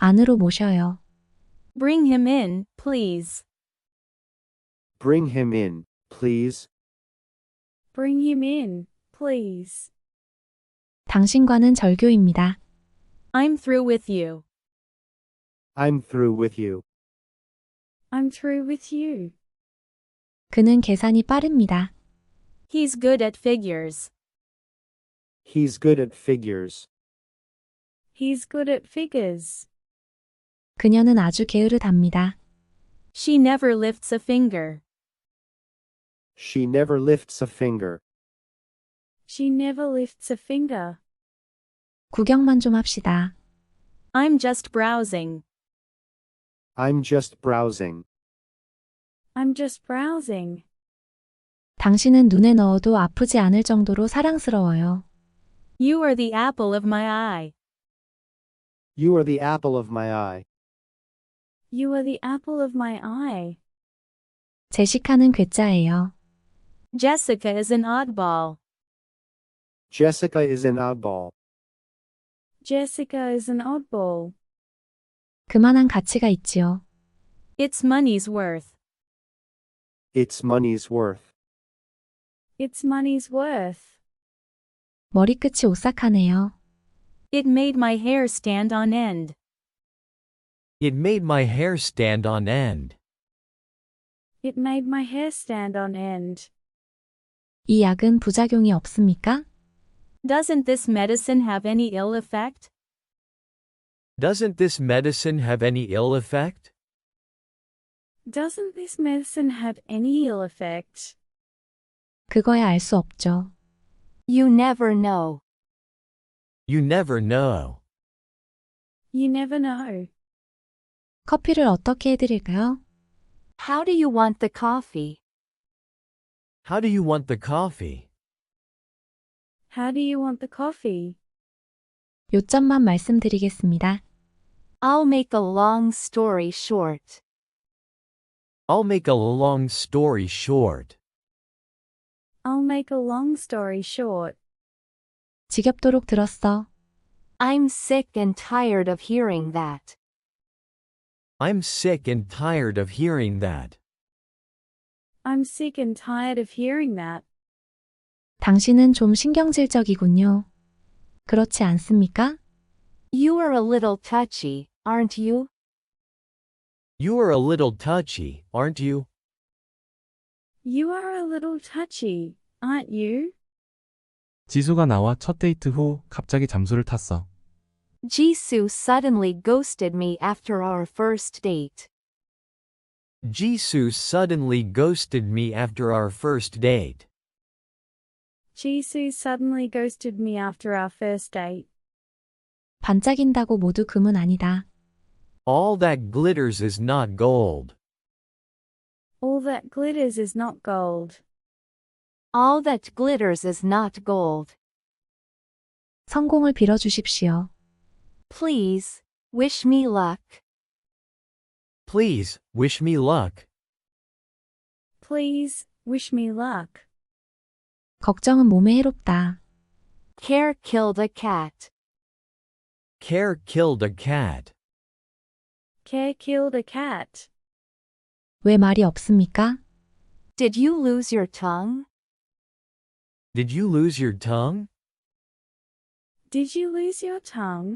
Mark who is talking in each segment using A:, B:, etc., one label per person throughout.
A: 안으로 모셔요.
B: Bring him in, please.
C: Bring him in, please.
D: Bring him in, please.
A: 당신과는 절교입니다.
B: I'm through with you.
C: I'm through with you.
D: I'm through with you.
A: 그는 계산이 빠릅니다.
B: He's good at figures.
C: He's good at figures.
D: He's good at figures.
A: 그녀는 아주 게으르답니다.
B: She never lifts a finger.
C: She never lifts a finger.
D: She never lifts a finger.
A: 구경만 좀 합시다.
B: I'm just browsing.
C: I'm just browsing.
D: I'm just browsing.
A: 당신은 눈에 넣어도 아프지 않을 정도로 사랑스러워요.
B: You are the apple of my eye.
C: You are the apple of my eye.
D: You are the apple of my eye.
A: 제시카는 괴짜예요.
B: Jessica is an oddball.
C: Jessica is an oddball.
D: Jessica is an oddball.
A: 그만한 가치가 있지요.
B: It's money's worth.
C: It's money's worth.
D: It's money's worth.
A: 머리끝이 오싹하네요.
B: It made my hair stand on end.
E: It made my hair stand on end.
D: It made my hair stand on end.
A: 이 약은 부작용이 없습니까?
B: Doesn't this medicine have any ill effect?
E: Doesn't this medicine have any ill effect?
D: Doesn't this medicine have any ill effect?
A: 그거야 알 수 없죠.
B: You never know.
E: You never know.
D: You never know.
A: 커피를 어떻게 해드릴까요?
B: How do you want the coffee?
E: How do you want the coffee?
D: How do you want the coffee?
A: 요점만 말씀드리겠습니다.
B: I'll make a long story short.
E: I'll make a long story short.
D: I'll make a long story short.
A: 지겹도록 들었어.
B: I'm sick and tired of hearing that.
E: I'm sick and tired of hearing that.
D: I'm sick and tired of hearing that.
A: 당신은 좀 신경질적이군요. 그렇지 않습니까?
B: You are a little touchy, aren't you?
E: You are a little touchy, aren't you?
D: You are a little touchy, aren't you?
F: 지수가 나와 첫 데이트 후 갑자기 잠수를 탔어.
B: Jisoo suddenly ghosted me after our first date.
E: Jisoo suddenly ghosted me after our first date.
D: Jisoo suddenly ghosted me after our first date.
A: 반짝인다고 모두 금은 아니다.
E: All that glitters is not gold.
D: All that glitters is not gold.
B: All that glitters is not gold.
A: 성공을 빌어주십시오.
B: Please, wish me luck.
E: Please, wish me luck.
D: Please, wish me luck.
A: 걱정은 몸에 해롭다.
B: Care killed a cat.
E: Care killed a cat.
D: Care killed a cat.
A: 왜 말이 없습니까?
B: Did you lose your tongue?
E: Did you lose your tongue?
D: Did you lose your tongue?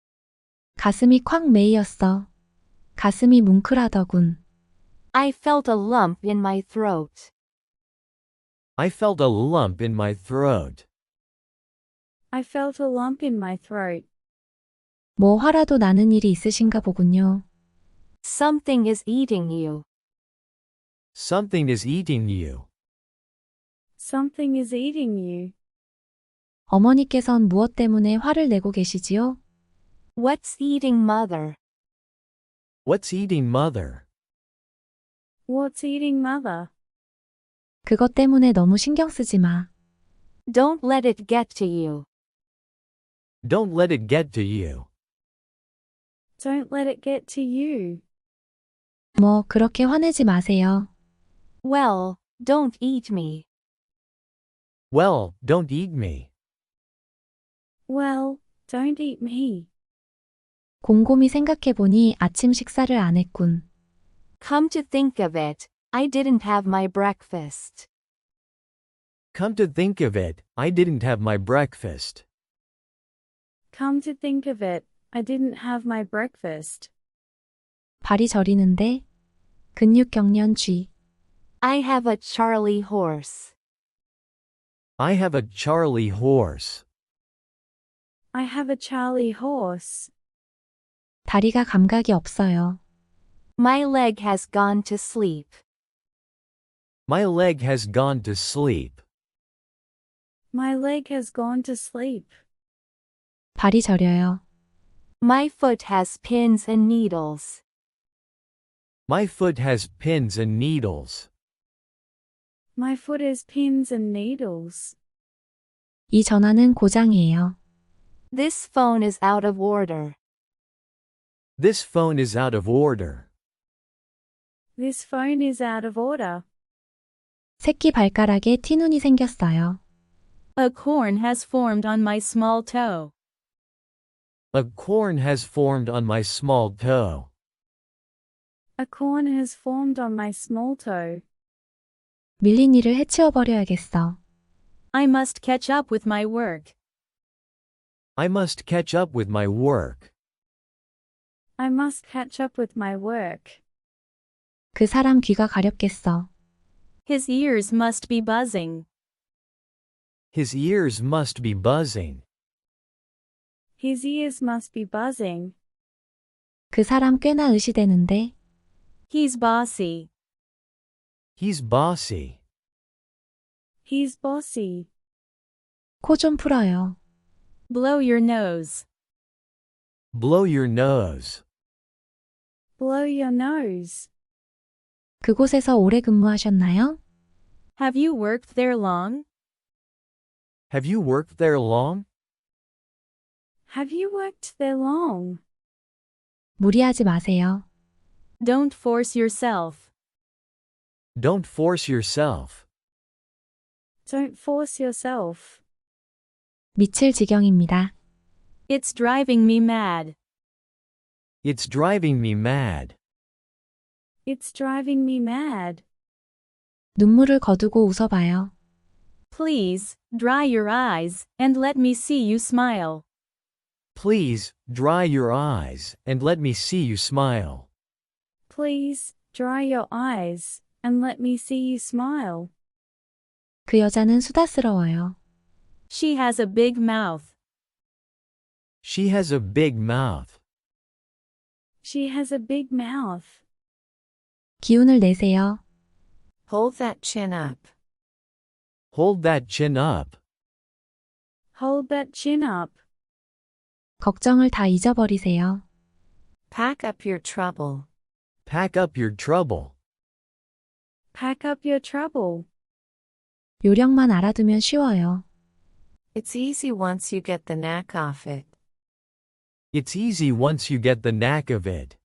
A: 가슴이 콱 메이었어. 가슴이 뭉클하더군.
B: I felt a lump in my throat.
E: I felt a lump in my throat.
D: I felt a lump in my throat.
A: 뭐 화라도 나는 일이 있으신가 보군요.
B: Something is eating you.
E: Something is eating you.
D: Something is eating you.
A: 어머니께선 무엇 때문에 화를 내고 계시지요?
B: What's eating mother?
E: What's eating mother?
D: What's eating mother?
A: 그것 때문에 너무 신경 쓰지 마.
B: Don't let it get to you.
E: Don't let it get to you.
D: Don't let it get to you.
A: 뭐 그렇게 화내지 마세요.
B: Well, don't eat me.
E: Well, don't eat me.
D: Well, don't eat me.
A: 곰곰이 생각해보니 아침 식사를 안 했군.
B: Come to think of it, I didn't have my breakfast.
E: Come to think of it, I didn't have my breakfast.
D: Come to think of it, I didn't have my breakfast.
A: 발이 저리는데? 근육경련 쥐.
B: I have a Charlie horse.
E: I have a Charlie horse.
D: I have a Charlie horse.
A: 다리가 감각이 없어요.
B: My leg has gone to sleep.
E: My leg has gone to sleep.
D: My leg has gone to sleep.
A: 발이 저려요.
B: My foot has pins and needles.
E: My foot has pins and needles.
D: My foot has pins and needles.
A: 이 전화는 고장이에요.
B: This phone is out of order.
E: This phone is out of order.
D: This phone is out of order.
A: 새끼 발가락에 티눈이 생겼어요.
G: A corn has formed on my small toe.
E: A corn has formed on my small toe.
D: A corn has formed on my small toe.
A: 밀린 일을 해치워버려야겠어.
G: I must catch up with my work.
E: I must catch up with my work.
D: I must catch up with my work.
A: 그 사람 귀가 가렵겠어.
G: His ears must be buzzing.
E: His ears must be buzzing.
D: His ears must be buzzing.
A: 그 사람 꽤나 의시되는데?
G: He's bossy.
E: He's bossy.
D: He's bossy.
A: 코 좀 풀어요.
G: Blow your nose.
E: Blow your nose.
D: Blow your nose.
A: 그곳에서 오래 근무하셨나요?
G: Have you worked there long?
E: Have you worked there long?
D: Have you worked there long?
A: 무리하지 마세요.
G: Don't force yourself.
E: Don't force yourself.
D: Don't force yourself.
A: 미칠 지경입니다.
G: It's driving me mad.
E: It's driving me mad.
D: It's driving me mad.
A: 눈물을 거두고 웃어봐요.
G: Please, dry your eyes, and let me see you smile.
E: Please, dry your eyes, and let me see you smile.
D: Please, dry your eyes, and let me see you smile.
A: 그 여자는 수다스러워요.
G: She has a big mouth.
E: She has a big mouth.
D: She has a big mouth.
A: 기운을 내세요.
B: Hold that chin up.
E: Hold that chin up.
D: Hold that chin up.
A: 걱정을 다 잊어버리세요.
B: Pack up your trouble.
E: Pack up your trouble.
D: Pack up your trouble.
A: 요령만 알아두면 쉬워요.
B: It's easy once you get the knack of it.
E: It's easy once you get the knack of it.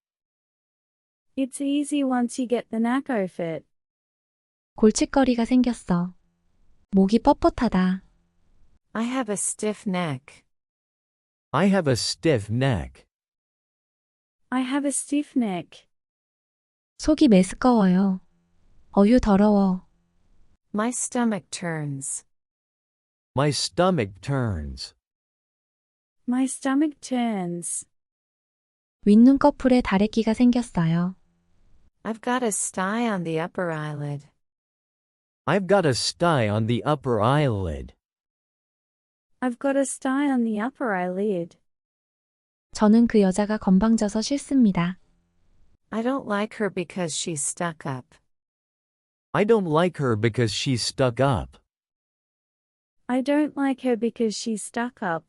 D: It's easy once you get the knack of it.
A: 골칫거리가 생겼어. 목이 뻣뻣하다.
B: I have a stiff neck.
E: I have a stiff neck.
D: I have a stiff neck.
A: 속이 메스꺼워요. 어휴 더러워.
B: My stomach turns.
E: My stomach turns.
D: My stomach turns.
A: 윗눈꺼풀에 다래끼가 생겼어요.
B: I've got a sty on the upper eyelid.
E: I've got a sty on the upper eyelid.
D: I've got a sty on the upper eyelid.
A: 저는 그 여자가 건방져서 싫습니다.
B: I don't like her because she's stuck up.
E: I don't like her because she's stuck up.
D: I don't like her because she's stuck up.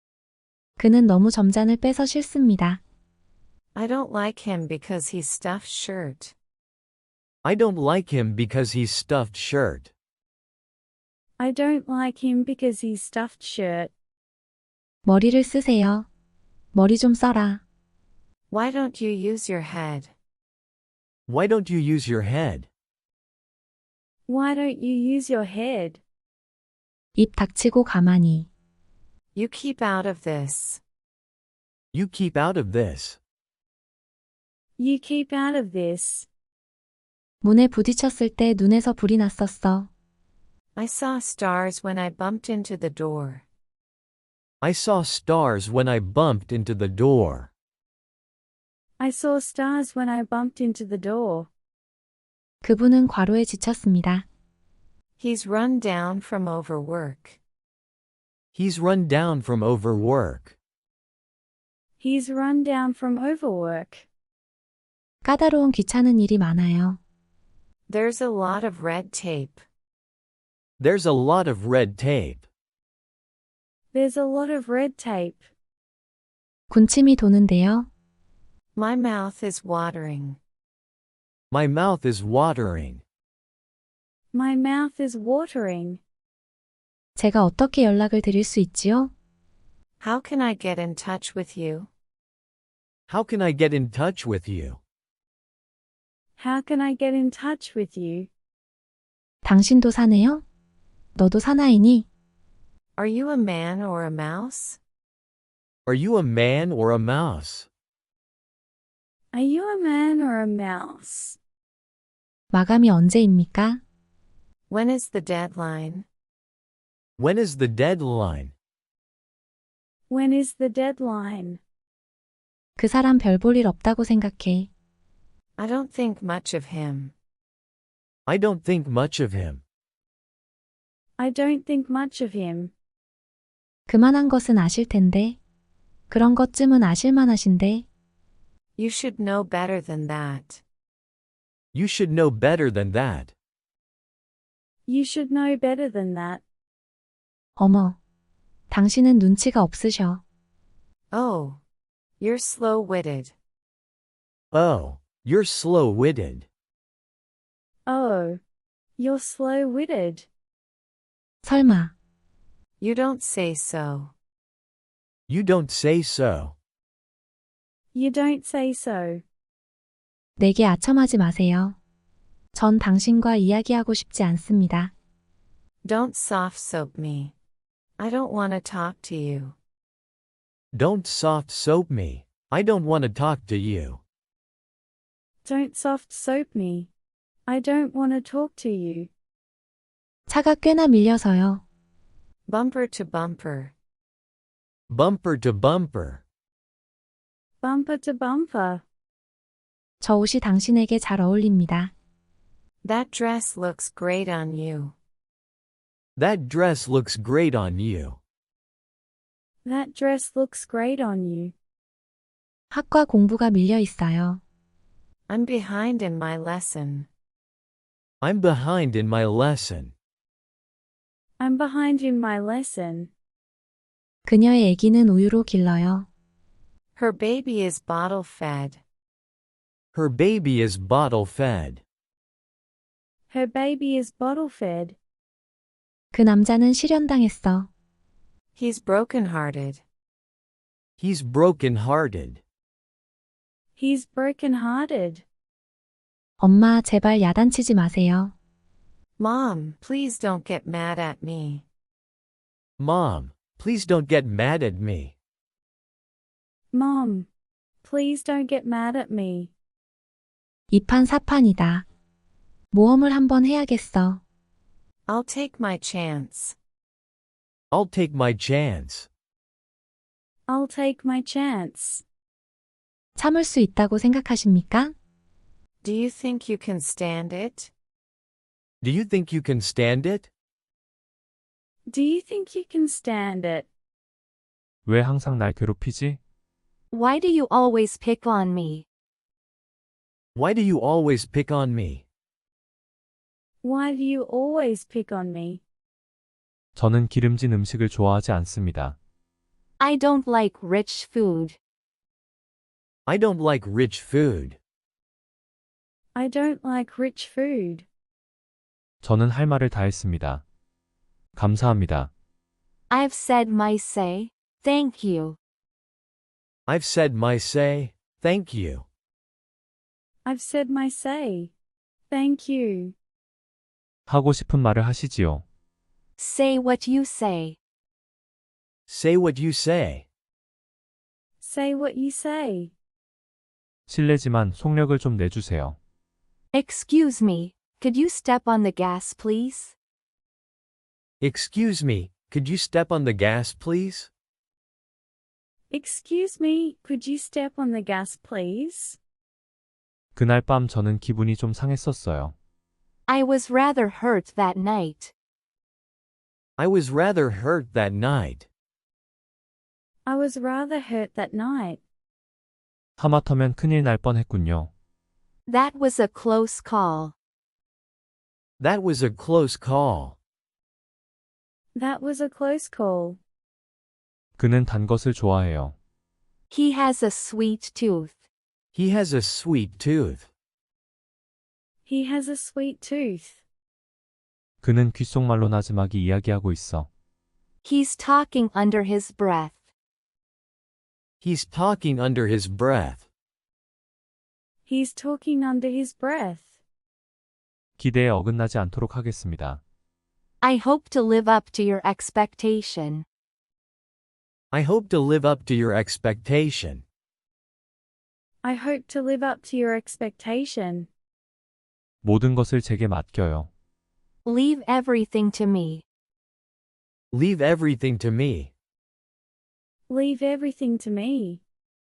A: 그는 너무 점잔을 빼서 싫습니다.
B: I don't like him because he's stuffed shirt.
E: I don't like him because he's stuffed shirt.
D: I don't like him because he's stuffed shirt.
A: 머리를 쓰세요. 머리 좀 써라.
B: Why don't you use your head?
E: Why don't you use your head?
D: Why don't you use your head?
A: 입 닥치고 가만히.
B: You keep out of this.
E: You keep out of this.
D: You keep out of this.
A: 문에 부딪혔을 때 눈에서 불이 났었어.
B: I saw stars when I bumped into the door.
E: I saw stars when I bumped into the door.
D: I saw stars when I bumped into the door.
A: 그분은 과로에 지쳤습니다.
B: He's run down from overwork.
E: He's run down from overwork.
D: He's run down from overwork.
A: 까다로운 귀찮은 일이 많아요.
B: There's a lot of red tape.
E: There's a lot of red tape.
D: There's a lot of red tape.
A: 군침이 도는데요.
B: My mouth is watering.
E: My mouth is watering.
D: My mouth is watering.
A: 제가 어떻게 연락을 드릴 수 있지요?
B: How can I get in touch with you?
E: How can I get in touch with you?
D: How can I get in touch with you?
A: 당신도 사내요? 너도 사나이니?
B: Are you a man or a mouse?
E: Are you a man or a mouse?
D: Are you a man or a mouse?
A: 마감이 언제입니까?
B: When is the deadline?
E: When is the deadline?
D: When is the deadline?
A: 그 사람 별 볼 일 없다고 생각해.
B: I don't think much of him.
E: I don't think much of him.
D: I don't think much of him.
A: 그만한 것은 아실 텐데. 그런 것쯤은 아실만 하신데.
B: You should know better than that.
E: You should know better than that.
D: You should know better than that.
A: 어머. 당신은 눈치가 없으셔.
B: Oh. You're slow-witted.
E: Oh, you're slow-witted.
D: Oh. You're slow-witted.
A: 설마.
B: You don't say so.
E: You don't say so.
D: You don't say so.
A: 내게 아첨하지 마세요. 전 당신과 이야기하고 싶지 않습니다.
B: Don't soft-soap me. I don't want to talk to you.
E: Don't soft-soap me. I don't want to talk to you.
D: Don't soft soap me. I don't want to talk to you.
A: 차가 꽤나 밀려서요.
B: Bumper to bumper.
E: Bumper to bumper.
D: Bumper to bumper.
A: 저 옷이 당신에게 잘 어울립니다.
B: That dress looks great on you.
E: That dress looks great on you.
D: That dress looks great on you.
A: 학과 공부가 밀려 있어요.
B: I'm behind in my lesson.
E: I'm behind in my lesson.
D: I'm behind in my lesson.
A: 그녀의 아기는 우유로 길러요.
B: Her baby is bottle-fed.
E: Her baby is bottle-fed.
D: Her baby is bottle-fed.
A: 그 남자는 실연당했어.
B: He's broken-hearted.
E: He's broken-hearted.
D: He's broken-hearted.
A: 엄마, 제발 야단치지 마세요.
B: Mom, please don't get mad at me.
E: Mom, please don't get mad at me.
D: Mom, please don't get mad at me.
A: 이판사판이다. 모험을 한번 해야겠어.
B: I'll take my chance.
E: I'll take my chance.
D: I'll take my chance.
A: 참을 수 있다고 생각하십니까?
B: Do you think you can stand it?
E: Do you think you can stand it?
D: Do you think you can stand it?
F: 왜 항상 날 괴롭히지?
G: Why do you always pick on me?
E: Why do you always pick on me?
D: Why do you always pick on me?
F: 저는 기름진 음식을 좋아하지 않습니다.
G: I don't like rich food.
E: I don't like rich food.
D: I don't like rich food.
F: 저는 할 말을 다 했습니다. 감사합니다.
G: I've said my say. Thank you.
E: I've said my say. Thank you.
D: I've said my say. Thank you.
F: 하고 싶은 말을 하시지요.
G: Say what you say.
E: Say what you say.
D: Say what you say.
F: 실례지만 속력을 좀 내주세요.
B: Excuse me, could you step on the gas, please?
E: Excuse me, could you step on the gas, please?
D: Excuse me, could you step on the gas, please?
F: 그날 밤 저는 기분이 좀 상했었어요.
B: I was rather hurt that night.
E: I was rather hurt that night.
D: I was rather hurt that night.
F: 하마터면 큰일 날 뻔했군요.
B: That was a close call.
E: That was a close call.
D: That was a close call.
F: 그는 단 것을 좋아해요.
B: He has a sweet tooth.
E: He has a sweet tooth.
D: He has a sweet tooth.
F: 그는 귓속말로 나지막이 이야기하고 있어.
B: He's talking under his breath.
E: He's talking under his breath.
D: He's talking under his breath.
F: 기대에 어긋나지 않도록 하겠습니다.
B: I hope to live up to your expectation.
E: I hope to live up to your expectation.
D: I hope to live up to your expectation.
F: 모든 것을 제게 맡겨요.
B: Leave everything to me.
E: Leave everything to me.
D: Leave everything to me.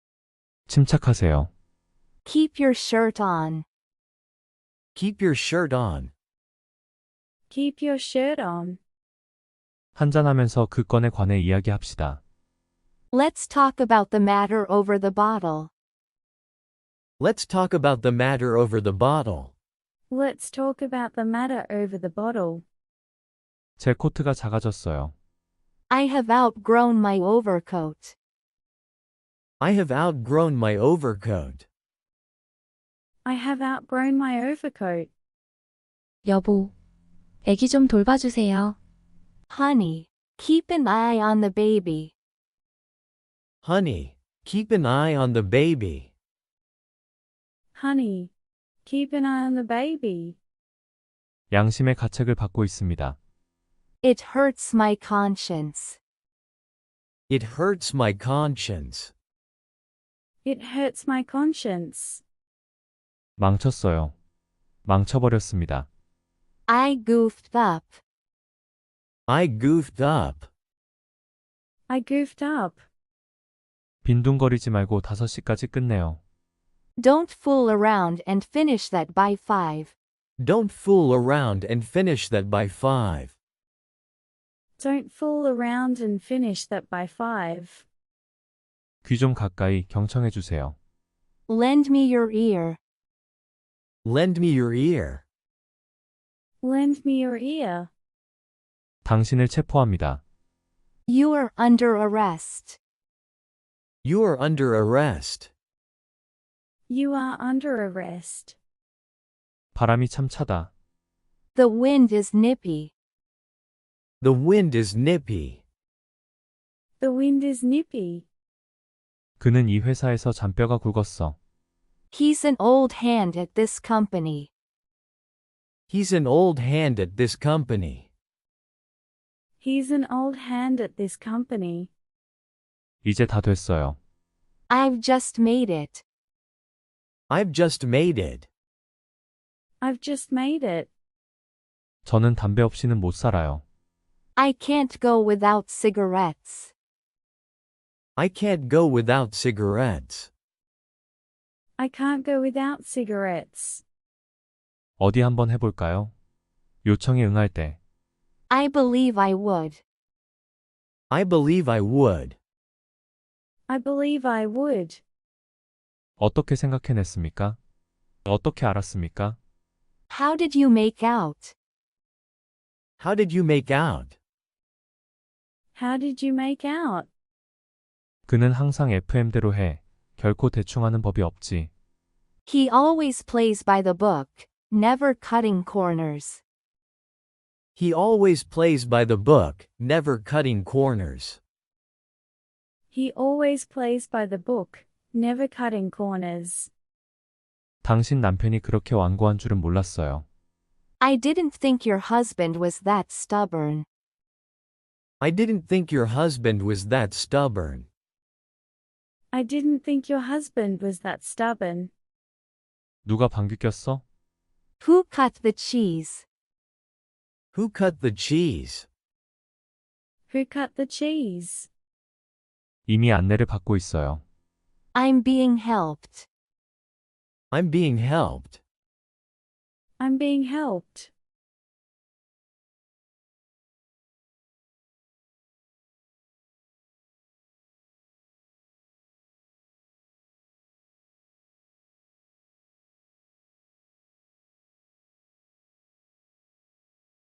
F: 침착하세요.
B: Keep your shirt on.
E: Keep your shirt on.
D: Keep your shirt on.
F: 한잔하면서 그 건에 관해 이야기합시다.
B: Let's talk about the matter over the bottle.
E: Let's talk about the matter over the bottle.
D: Let's talk about the matter over the bottle.
F: 제 코트가 작아졌어요.
B: I have outgrown my overcoat.
E: I have outgrown my overcoat.
D: I have outgrown my overcoat.
A: 여보, 애기 좀 돌봐주세요.
B: Honey, keep an eye on the baby.
E: Honey, keep an eye on the baby.
D: Honey, keep an eye on the baby.
F: 양심의 가책을 받고 있습니다.
B: It hurts my conscience.
E: It hurts my conscience.
D: It hurts my conscience.
F: 망쳤어요. 망쳐버렸습니다.
B: I goofed up.
E: I goofed up.
D: I goofed up.
F: 빈둥거리지 말고 5시까지 끝내요.
B: Don't fool around and finish that by 5.
E: Don't fool around and finish that by 5.
D: Don't fool around and finish that by 5.
F: 귀 좀 가까이 경청해 주세요.
B: Lend me your ear.
E: Lend me your ear.
D: Lend me your ear.
F: 당신을 체포합니다.
B: You are under arrest.
E: You are under arrest.
D: You are under arrest.
F: 바람이 참 차다.
B: The wind is nippy.
E: The wind is nippy.
D: The wind is nippy.
F: 그는 이 회사에서 잔뼈가 굵었어.
B: He's an old hand at this company.
E: He's an old hand at this company.
D: He's an old hand at this company.
F: 이제 다 됐어요.
B: I've just made it.
E: I've just made it.
D: I've just made it.
F: 저는 담배 없이는 못 살아요.
B: I can't go without cigarettes.
E: I can't go without cigarettes.
D: I can't go without cigarettes.
F: 어디 한번 해볼까요? 요청에 응할 때.
B: I believe I would.
E: I believe I would.
D: I believe I would.
F: 어떻게 생각해냈습니까? 어떻게 알았습니까?
B: How did you make out?
E: How did you make out?
D: How did you make out?
F: 그는 항상 FM대로 해. 결코 대충하는 법이 없지.
B: He always plays by the book, never cutting corners.
E: He always plays by the book, never cutting corners.
D: He always plays by the book, never cutting corners.
F: 당신 남편이 그렇게 완고한 줄은 몰랐어요.
B: I didn't think your husband was that stubborn.
E: I didn't think your husband was that stubborn.
D: I didn't think your husband was that stubborn.
F: 누가 방귀 꼈어?
B: Who cut the cheese?
E: Who cut the cheese?
D: Who cut the cheese?
F: 이미 안내를 받고 있어요.
B: I'm being helped.
E: I'm being helped.
D: I'm being helped.